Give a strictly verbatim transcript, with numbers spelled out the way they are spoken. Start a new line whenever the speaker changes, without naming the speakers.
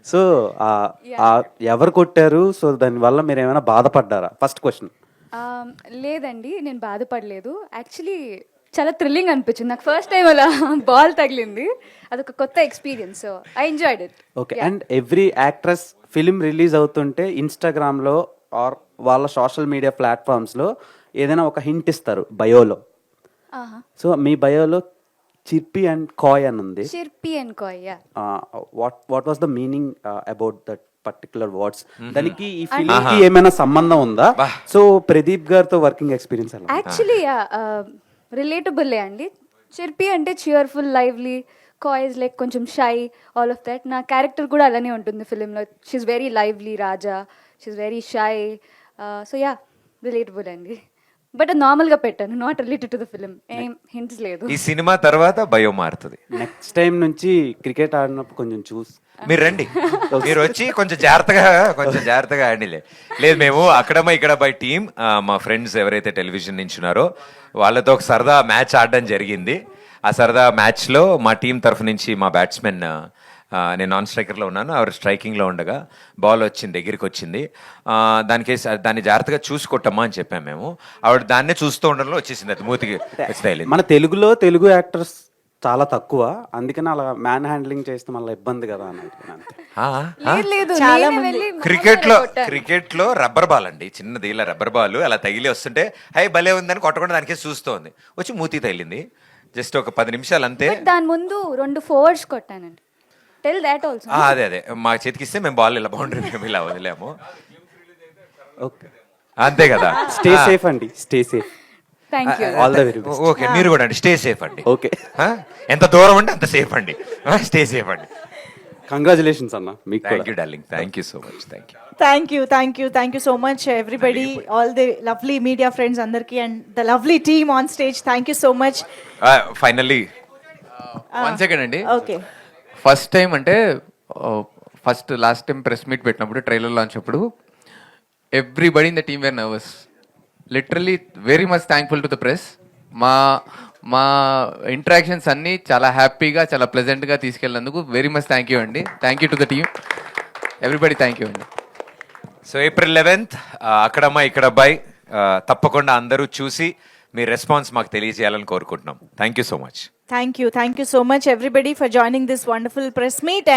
So ఎవరు కొట్టారు? So దానివల్ల మీరు ఏమైనా బాధపడ్డారా? First question.
Um, లేదండి, నేను బాధపడలేదు. యాక్చువల్లీ చాలా థ్రిల్లింగ్ అనిపించింది నాకు. ఫస్ట్ టైం అలా బాల్ తగిలింది, అదొక కొత్త experience. So I enjoyed it.
Okay. And every actress film release అవుతుంటే ఇన్స్టాగ్రామ్లో ఆర్ వాళ్ళ సోషల్ మీడియా ప్లాట్ఫామ్స్లో ఏదైనా ఒక హింట్ ఇస్తారు బయోలో. సో మీ బయోలో చిర్పి అండ్ కాయ్ అని ఉంది.
చిర్పి అండ్ కాయ్, yeah.
What what was the meaning about that particular words? దానికి ఈ ఫిలిం కి ఏమైనా సంబంధం ఉందా? సో ప్రదీప్ గారితో వర్కింగ్ ఎక్స్పీరియన్స్ ఎలా?
యాక్చువల్లీ రిలేటబుల్ అండి. చిర్పి అంటే చియర్ఫుల్, లైవ్లీ. కాయ్ ఇస్ లైక్ కొంచెం షై, ఆల్ ఆఫ్ దట్. నా క్యారెక్టర్ కూడా అలానే ఉంటుంది ఫిలింలో. She's very lively Raja, she's very shy. So yeah, relatable అండి. బట్ అది నార్మల్గా పెట్టాను, not related to the film. ఏం హింట్స్ లేదు.
ఈ సినిమా తర్వాత భయో మారుతుంది.
నెక్స్ట్ టైం నుంచి క్రికెట్ ఆడినప్పుడు కొంచెం చూసి
మీరు రండి, మీరు వచ్చి కొంచెం జాగ్రత్తగా కొంచెం జాగ్రత్తగా ఆడిలే. లేదు, మేము అక్కడమ్మా ఇక్కడ బై టీమ్, మా ఫ్రెండ్స్ ఎవరైతే టెలివిజన్ నుంచి ఉన్నారో వాళ్ళతో ఒక సరదా మ్యాచ్ ఆడడం జరిగింది. ఆ సరదా మ్యాచ్లో మా టీం తరఫు నుంచి మా బ్యాట్స్మెన్, నేను నాన్ స్ట్రైకర్లో ఉన్నాను, ఆవిడ స్ట్రైకింగ్లో ఉండగా బాల్ వచ్చింది, దగ్గరికి వచ్చింది. దానికి దాన్ని జాగ్రత్తగా చూసి కొట్టమ్మా అని చెప్పాము మేము. ఆవిడ దాన్నే చూస్తూ ఉండడంలో వచ్చేసింది, అది మూతికి వచ్చి.
మన తెలుగులో తెలుగు యాక్టర్స్ చాలా తక్కువ, అందుకని అలా మ్యాన్ హ్యాండ్లింగ్ చేస్తే మళ్ళీ ఇబ్బంది కదా అని
లేదు, లేదు,
చాలా
నేనే
మంది
వెళ్ళి
క్రికెట్ లో
కొట్టాను.
క్రికెట్ లో రబ్బర్ బాల్ అండి, చిన్నది ఇలా రబ్బర్ బాల్ అలా తగిలి వస్తుంటే హై భలే ఉందని కొట్టకుండా దానికే చూస్తోంది, వచ్చి మూతి తగిలింది. జస్ట్ ఒక పది నిమిషాలు అంతే.
But దాని ముందు రెండు ఫోర్స్ కొట్టానండి. Tell that also.
ఆ, అదే అదే మా చేతికిస్తే మేము బాల్ ఇలా బౌండరీ మేము ఇలా వదిలేము.
ఓకే,
అంతే కదా.
స్టే సేఫ్ అండి, stay safe.
Thank you.
All the very best.
Okay, మీరు కూడా అండి, స్టే సేఫ్ అండి.
ఓకే,
ఆ? ఎంత దూరం అంటే అంత సేఫ్ అండి, స్టే సేఫ్ అండి.
కంగ్రాచులేషన్స్ అన్న మీకు.
Thank you darling, thank you so much, thank you.
Thank you thank you thank you so much everybody, all the lovely media friends అందరికీ and the lovely team on stage. Thank you so much.
Finally
one second అండి.
Okay,
first time అంటే first last time press meet పెట్టినప్పుడు trailer launch అప్పుడు everybody in the team were nervous. Literally very much thankful to the press. మా మా interactions అన్నీ చాలా హ్యాపీగా, చాలా ప్లెజెంట్గా తీసుకెళ్ళినందుకు వెరీ మచ్ థ్యాంక్ యూ అండి. Thank you to the team, everybody thank you అండి.
సో ఏప్రిల్ లెవెన్త్ అక్కడమ్మా ఇక్కడ అబ్బాయి, తప్పకుండా అందరూ చూసి మీ రెస్పాన్స్ మాకు తెలియజేయాలని కోరుకుంటున్నాం. Thank you so much.
Thank you thank you so much everybody for joining this wonderful press meet.